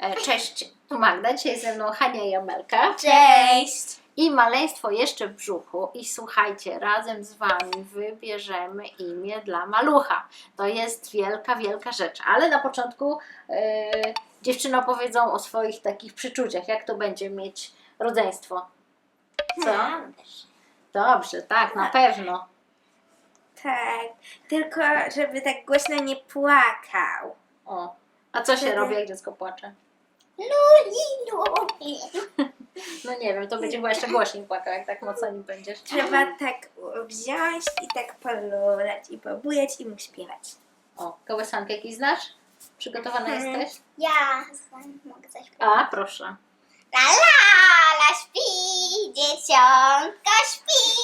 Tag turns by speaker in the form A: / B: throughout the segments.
A: Cześć, tu Magda, dzisiaj ze mną Hania i Amelka.
B: Cześć!
A: I maleństwo jeszcze w brzuchu. I słuchajcie, razem z Wami wybierzemy imię dla malucha. To jest wielka, wielka rzecz. Ale na początku dziewczyny opowiedzą o swoich takich przyczuciach, jak to będzie mieć rodzeństwo. Co? Dobrze, tak, na pewno.
B: Tak, tylko żeby tak głośno nie płakał.
A: O. A co się robi, jak dziecko płacze? No nie wiem, to będzie chyba jeszcze głośniej płakał, jak tak mocno nie będziesz.
B: Trzeba tak wziąć i tak polulać i pobujać i mu śpiewać.
A: O, kołysankę jakiś znasz? Przygotowana jesteś?
C: Ja mogę coś powiedzieć.
A: A, proszę.
C: La la, la śpi, dzieciątko śpi.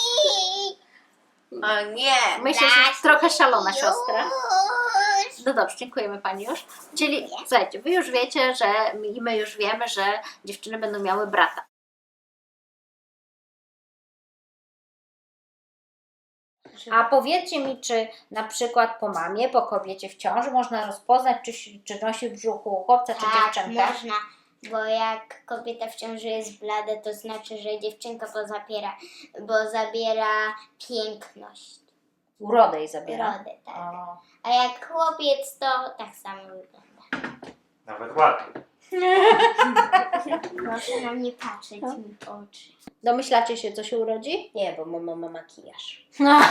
B: O nie!
A: Myślę, że trochę szalona
C: Już.
A: siostra. No dobrze, dziękujemy Pani już. Czyli słuchajcie, Wy już wiecie, że i my już wiemy, że dziewczyny będą miały brata. A powiedzcie mi, czy na przykład po mamie, po kobiecie w ciąży można rozpoznać, czy nosi w brzuchu chłopca, czy
C: Tak,
A: dziewczynkę?
C: można, bo jak kobieta w ciąży jest blada, to znaczy, że dziewczynka bo zabiera piękność,
A: Urodę jej zabiera.
C: urodę, tak.
A: O.
C: A jak chłopiec, to tak samo wygląda.
D: Nawet ładnie.
C: Proszę na mnie patrzeć mi w oczy.
A: Domyślacie się, co się urodzi?
B: Nie, bo mama ma makijaż.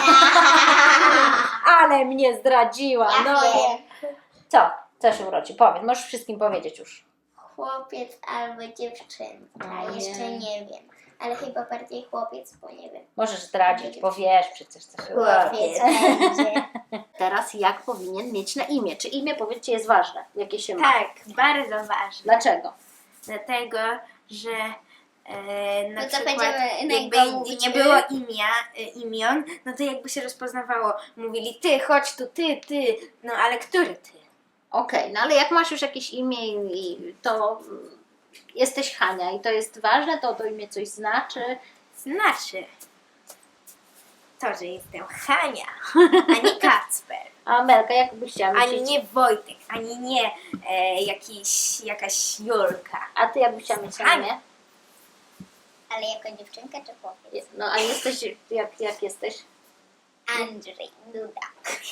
A: Ale mnie zdradziła.
C: Ja
A: No.
C: wiem.
A: Co? Co się urodzi? Powiedz, możesz wszystkim powiedzieć już.
C: Chłopiec albo dziewczynka,
A: O nie.
C: jeszcze nie wiem. Ale chyba bardziej chłopiec, bo nie wiem.
A: Możesz zdradzić, bo wiesz przecież, co się urodzi.
C: Chłopiec będzie.
A: Teraz jak powinien mieć na imię? Czy imię, powiedzcie, jest ważne? Jakie się ma?
B: Tak, bardzo ważne.
A: Dlaczego?
B: Dlatego, że na
C: No to
B: przykład
C: będziemy na
B: jakby
C: niego mówić,
B: nie było imion, no to jakby się rozpoznawało. Mówili ty, chodź tu, ty, no ale który ty?
A: Okej, no ale jak masz już jakieś imię i to jesteś Hania i to jest ważne, to imię coś znaczy.
B: Znaczy to, że jestem Hania, a nie Kacper,
A: A Amelka, jak byś chciała mieć?
B: ani nie Wojtek, ani nie jakaś Julka.
A: A ty jak byś chciała mieć na
B: Hania.
A: imię?
C: Ale jako dziewczynka czy chłopiec?
A: No a jesteś, jak jesteś?
C: Andrzej Duda.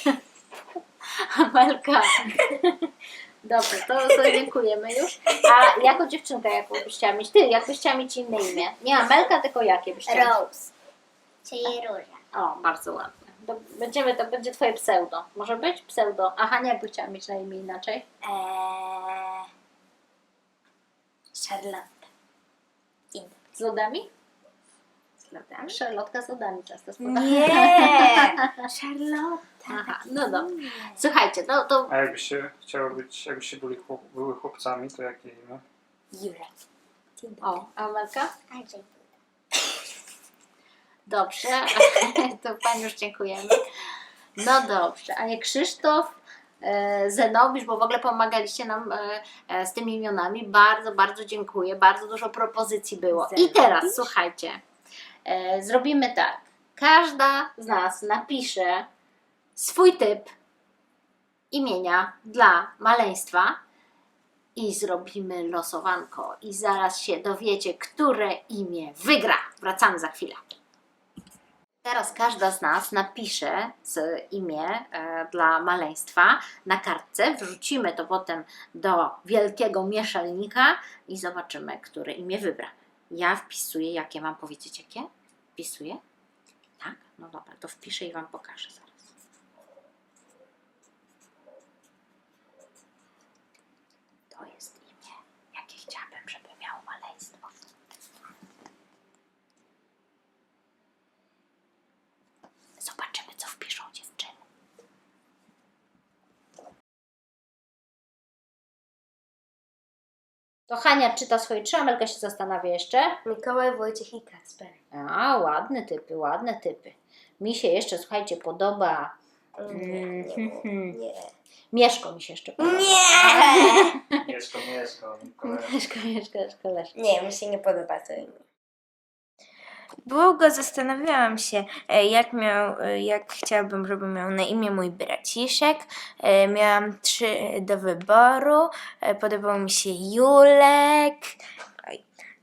A: Amelka. Dobrze, to dziękujemy już. A jako dziewczynka, jaką byś chciała mieć? Ty, jak byś chciała mieć inne imię? Nie Amelka, tylko jakie byś chciała?
C: Rose. Czyli róża.
A: O, bardzo ładne. To będzie twoje pseudo. Może być pseudo. A Hania jakby chciała mieć na imię inaczej?
B: Charlotte.
A: Z lodami?
B: Z lodami?
A: Szarlotka z lodami często spotyka.
B: Nie! Charlotte.
A: Aha, no dobra. Słuchajcie, to
D: A jakbyście były chłopcami, to jakie imię?
B: Julek.
A: o, Amelka?
C: Andrzej Duda.
A: Dobrze, to Pani już dziękujemy. No dobrze, a nie Krzysztof, Zenobisz, bo w ogóle pomagaliście nam z tymi imionami. Bardzo, bardzo dziękuję. Bardzo dużo propozycji było. I teraz słuchajcie, zrobimy tak. Każda z nas napisze swój typ imienia dla maleństwa i zrobimy losowanko. I zaraz się dowiecie, które imię wygra. Wracamy za chwilę. Teraz każda z nas napisze imię dla maleństwa na kartce, wrzucimy to potem do wielkiego mieszalnika i zobaczymy, które imię wybra. Ja wpisuję, jakie mam powiedzieć, jakie? Wpisuję? Tak? No dobra, to wpiszę i Wam pokażę zaraz. To jest imię, jakie chciałabym, żeby miało maleństwo. Zobaczymy, co wpiszą dziewczyny. To Hania czyta swoje trzy, Amelka się zastanawia jeszcze.
B: Mikołaj, Wojciech i Kacper.
A: A, ładne typy, ładne typy. Mi się jeszcze, słuchajcie, podoba...
B: Nie.
A: Mieszko mi się jeszcze podoba.
B: Nie!
D: Mieszko,
A: Mieszko, Leszko.
B: Nie, mi się nie podoba to imię. Długo zastanawiałam się, jak chciałabym, żeby miał na imię mój braciszek. Miałam 3 do wyboru. Podobał mi się Julek, oj,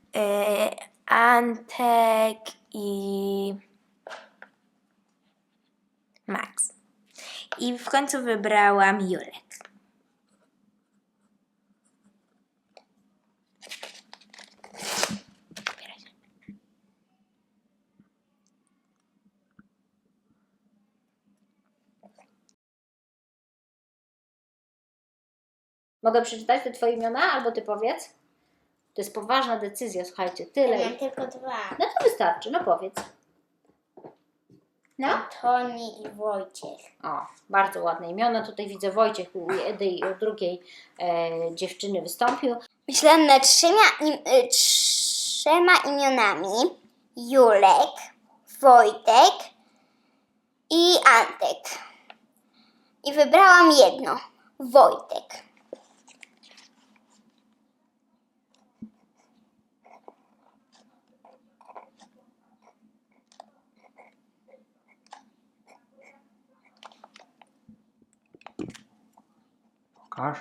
B: Antek i Max. I w końcu wybrałam Julek.
A: Mogę przeczytać te twoje imiona, albo ty powiedz? To jest poważna decyzja, słuchajcie, tyle.
C: Mam tylko 2.
A: No to wystarczy, no powiedz. No.
C: Antoni i Wojciech.
A: O, bardzo ładne imiona. Tutaj widzę Wojciech u jednej i u drugiej dziewczyny wystąpił.
C: Myślałam nad 3 imionami. Julek, Wojtek i Antek. I wybrałam jedno. Wojtek.
D: Pokaż.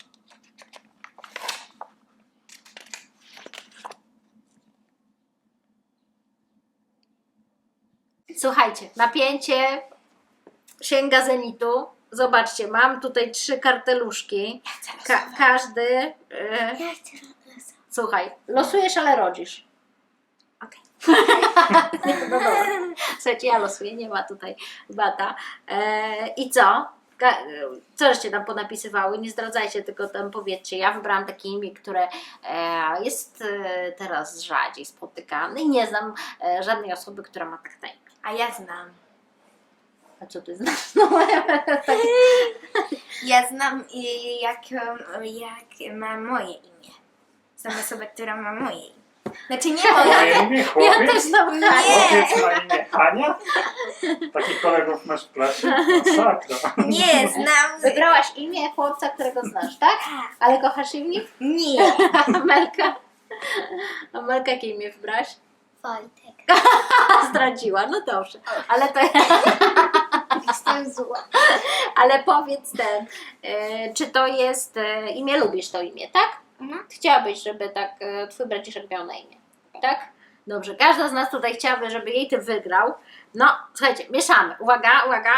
A: Słuchajcie, napięcie sięga zenitu. Zobaczcie, mam tutaj 3 karteluszki. Każdy. Słuchaj, losujesz, ale rodzisz.
B: Okej.
A: No dobra. Słuchajcie, ja losuję, nie ma tutaj bata. I co? Co żeście tam ponapisywały? Nie zdradzajcie, tylko tam powiedzcie. Ja wybrałam takie imię, które jest teraz rzadziej spotykane i nie znam żadnej osoby, która ma tak na imię.
B: A ja znam.
A: A co ty znasz? No, tak.
B: Ja znam jak ma moje imię. Znam osobę, która ma moje imię. Znaczy nie moje.
D: Moje imię
A: Ja
D: chłopiec?
A: też znam
B: Nie.
D: Chłopiec ma imię Hania? Takich kolegów masz w klasie? Masakra.
B: Nie, znam.
A: Wybrałaś imię chłopca, którego znasz, tak? Ale kochasz imię?
B: Nie.
A: Amelka? Amelka, jakie imię wybrałaś?
C: Wojtek.
A: Zdradziła, no dobrze. Ale to...
C: Jestem zła.
A: Ale powiedz czy to jest imię, lubisz to imię, tak?
C: Mhm.
A: Chciałabyś, żeby tak twój braciszek miał na imię, tak? Dobrze, każda z nas tutaj chciałaby, żeby jej ty wygrał. No, słuchajcie, mieszamy. Uwaga, uwaga.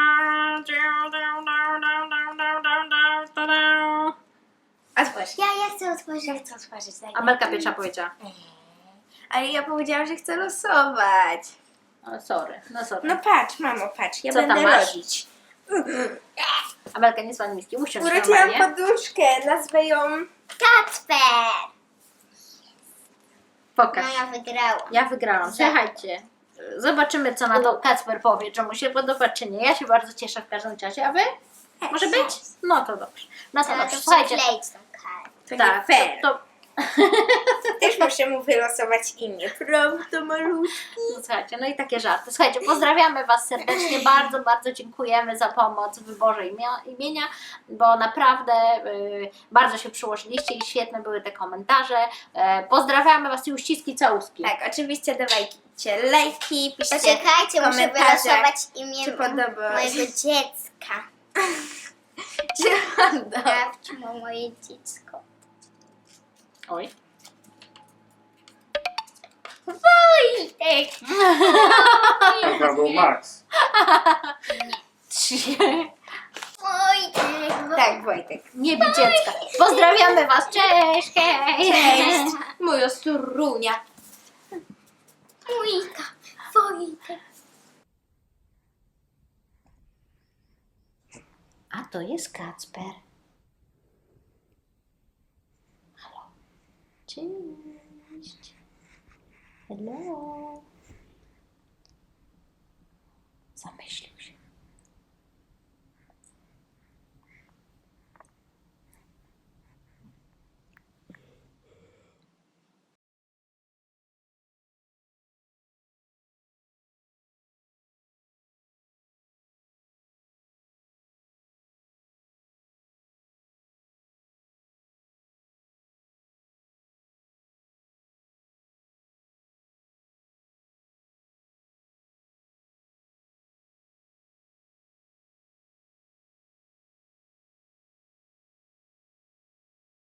B: Otwórz.
C: Ja chcę otworzyć.
B: Ja chcę otworzyć. daj.
A: Amelka pierwsza powiedziała.
B: Ale ja powiedziałam, że chcę losować.
A: O, sorry, no sorry.
B: No patrz, mamo, patrz. Ja
A: Co tam
B: będę
A: masz?
B: robić.
A: Amelka, nie słani miski, usiądź
B: Urodziłam
A: normalnie.
B: poduszkę. Nazwę ją...
C: Kacper!
A: Pokaż.
C: No ja wygrałam.
A: Ja wygrałam. Słuchajcie, zobaczymy, co na to Kacper powie, czy mu się podoba, czy nie. Ja się bardzo cieszę w każdym czasie. A wy? Może być? No to dobrze. No to
C: Ale
A: dobrze.
C: to
A: Słuchajcie,
C: przykleić tą kartę.
B: To
A: tak,
B: nie fair.
A: to
B: Też muszę mu wylosować imię. Prawda, malutki?
A: no, słuchajcie, no i takie żarty. Słuchajcie, pozdrawiamy Was serdecznie. Bardzo, bardzo dziękujemy za pomoc w wyborze imienia, bo naprawdę bardzo się przyłożyliście i świetne były te komentarze. Pozdrawiamy Was i uściski, całuski.
B: Tak, oczywiście dawajcie lajki, piszcie
C: Poczekajcie, muszę
B: komentarze,
C: wylosować imię
B: czy podoba
C: mojego dziecka. Sprawdź moje dziecko.
A: Oj.
C: Wojtek!
D: Chyba był Max.
C: Wojtek!
B: Tak, Wojtek.
A: Nie bij dziecka. Pozdrawiamy Was. Cześć, hej.
B: Cześć, moja strunia.
C: Wojtka! Wojtek!
A: A to jest Kacper. Halo. Cześć. Hello. Zamyślił